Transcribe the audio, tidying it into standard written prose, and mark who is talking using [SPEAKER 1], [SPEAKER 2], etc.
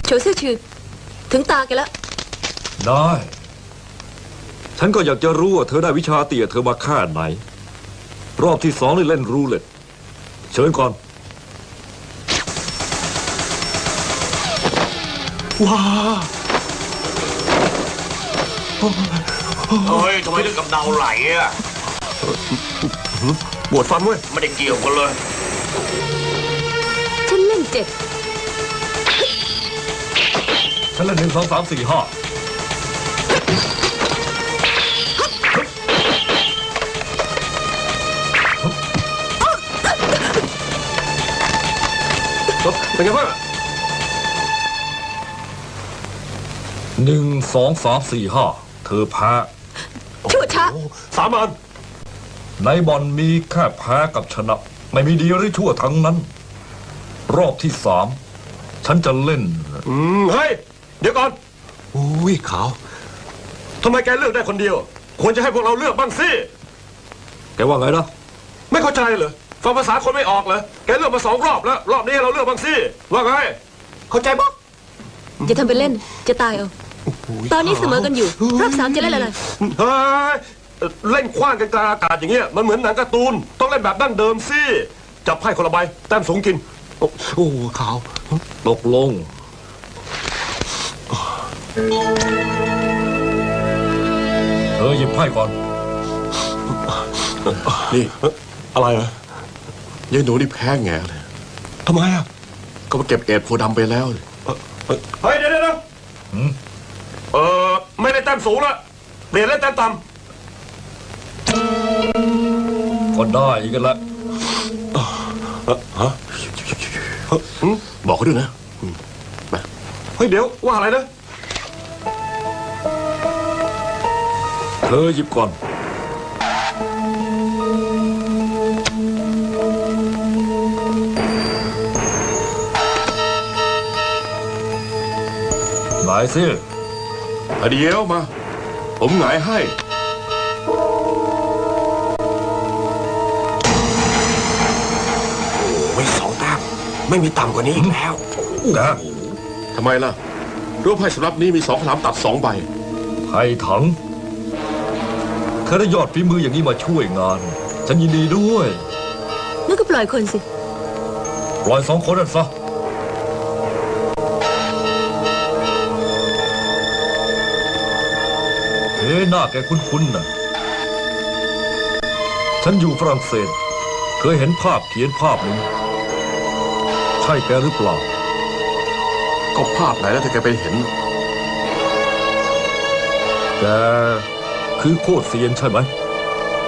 [SPEAKER 1] โฉเซี่ยวชื่อถึงตาแกแล้ว
[SPEAKER 2] ได้ฉันก็อยากจะรู้ว่าเธอได้วิชาเตี่ยเธอมาแค่ไหนรอบที่2นี่เล่นรูเล็ตเชิญก่อน
[SPEAKER 3] ว้า
[SPEAKER 4] เฮ้ยทำไมถึงกับเดาไหลอ่ะ
[SPEAKER 3] ปวดฟันเว้ย
[SPEAKER 4] ไม่ได้เกี่ยวกันเลย
[SPEAKER 1] ฉันเล่น7
[SPEAKER 2] ฉันเล่น1 2 3 4 5
[SPEAKER 3] เป็นไงบ้าง
[SPEAKER 2] 1 2 3 4 5เธอแพ้
[SPEAKER 1] ชั่วช้า
[SPEAKER 3] 3 อัน
[SPEAKER 2] ในบอลมีแค่แพ้กับชนะไม่มีดีหรือชั่วทั้งนั้นรอบที่3ฉันจะเล่น
[SPEAKER 3] เฮ้ยเดี๋ยวก่อนอุ้ยขาวทำไมแกเลือกได้คนเดียวควรจะให้พวกเราเลือกบ้างสิ
[SPEAKER 2] แกว่าไงนะ
[SPEAKER 3] ไม่เข้าใจเหรอฟังภาษาคนไม่ออกเหรอแกเลือกมา2 รอบแล้วรอบนี้เราเลือกบ้างสิว่าไงเข้าใจปะ
[SPEAKER 1] อย่าทำเป็นเล่นจะตายเอาตอนนี้เสมอกันอยู่รอบ3จะเล่นอะไร
[SPEAKER 3] เฮ้ยเล่นคว้างกันกลางอากาศอย่างเงี้ยมันเหมือนหนังการ์ตูนต้องเล่นแบบดั้งเดิมสิจับไพ่คนละใบแต้มสูงกินโอ้ขาว
[SPEAKER 2] ตกลงหยิบไพ่ก่อน
[SPEAKER 3] นี่อะไรเหรอยายหนูนี่แพ้แง่เลยทำไมอ่ะก็มาเก็บเอ็ดโฟดำไปแล้วเฮ้ยเดี๋ยวไม่ได้แต้มสูงละเปลี่ยนเล่นแต้มต่ำ
[SPEAKER 2] ก็ได้กันละ
[SPEAKER 3] บอกเขาด้วยนะมาเฮ้ยเดี๋ยวว่าอะไรนะ
[SPEAKER 2] เธอหยิบก่อนหงายสิ
[SPEAKER 3] เดี๋ยวมาผมหงายให้ไม่2 แต้มไม่มีต่ำกว่านี้อีกแล้วทำไมล่ะรูปไพ่สำหรับนี้มี2 ขลามตัด2 ใบ
[SPEAKER 2] ไพ่ถังเธอได้ยอดฝีมืออย่างนี้มาช่วยงานฉันยินดีด้วย
[SPEAKER 1] นั่นก็ปล่อยคนสิ
[SPEAKER 2] ปล่อย2 คนนั่นซะหน้าแกคุ้นๆนะฉันอยู่ฝรั่งเศสเคยเห็นภาพเขียนภาพหนึ่งใช่แกหรือเปล่า
[SPEAKER 3] ก็ภาพไหนแล้วถ้าแกไปเห็น
[SPEAKER 2] แกคือโคตรเซียนใช่ไหม